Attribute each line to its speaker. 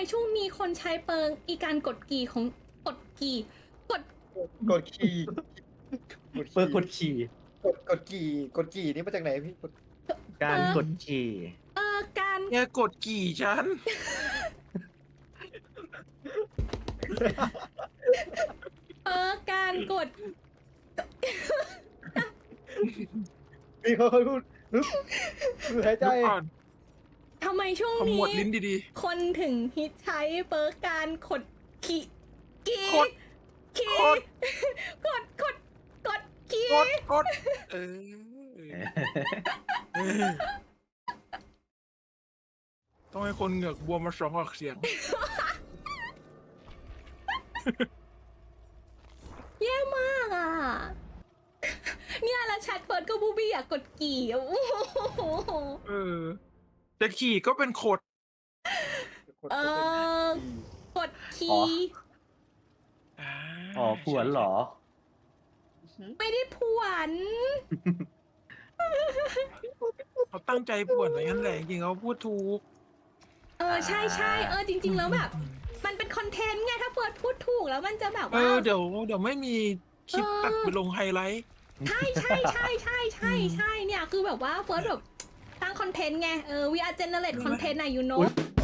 Speaker 1: ช่วงนี้คนใช้เปิงอีการกดกี่ของกดกี่กด
Speaker 2: กดขี่
Speaker 3: เปิดกดขี่
Speaker 2: กดกี่นี่มาจากไหนพี่กด
Speaker 3: การกดขี่
Speaker 1: การ
Speaker 4: เนี่ยกดกี่ฉัน
Speaker 1: การกด
Speaker 2: พี่เขาพูดฮึบหายใจ
Speaker 4: เดี๋ยวก่อน
Speaker 1: ทำไมช่วง
Speaker 4: ขม
Speaker 1: นี้
Speaker 4: วดลิ้นดี
Speaker 1: คนถึงฮิตใช้เปิร์กการกดขี่กี่
Speaker 4: กด
Speaker 1: ขี่
Speaker 4: กด
Speaker 1: กดขี่
Speaker 4: ๆ กดเออต้องให้คนเหงือกบวมมา2 ออกเสียง
Speaker 1: แย่มากอ่ะ เนี่ยแล้วแชทเฟิร์สก็บูบี้อยากกดกี่โอ้โห
Speaker 4: เออจะขี่ก็เป็นขด
Speaker 1: กดขี่
Speaker 3: อ๋อผวนเหรอ
Speaker 1: ไม่ได้ผวน
Speaker 4: เขาตั้งใจป่วนอะไรงั้นแหละจริงๆเขาพูดถูก
Speaker 1: ใช่จริง ๆ แล้วแบบ มันเป็นคอนเทนต์ไงถ้าเฟิร์สพูดถูกแล้วมันจะแบบ
Speaker 4: เอ
Speaker 1: ว่า
Speaker 4: อเดี๋ยวไม่มีคลิปตัดไปลงไฮไลท์
Speaker 1: ใช่เนี่ยคือแบบว่าเฟิร์สแบบตั้งคอนเทนต์ไงwe are generate content อะ you know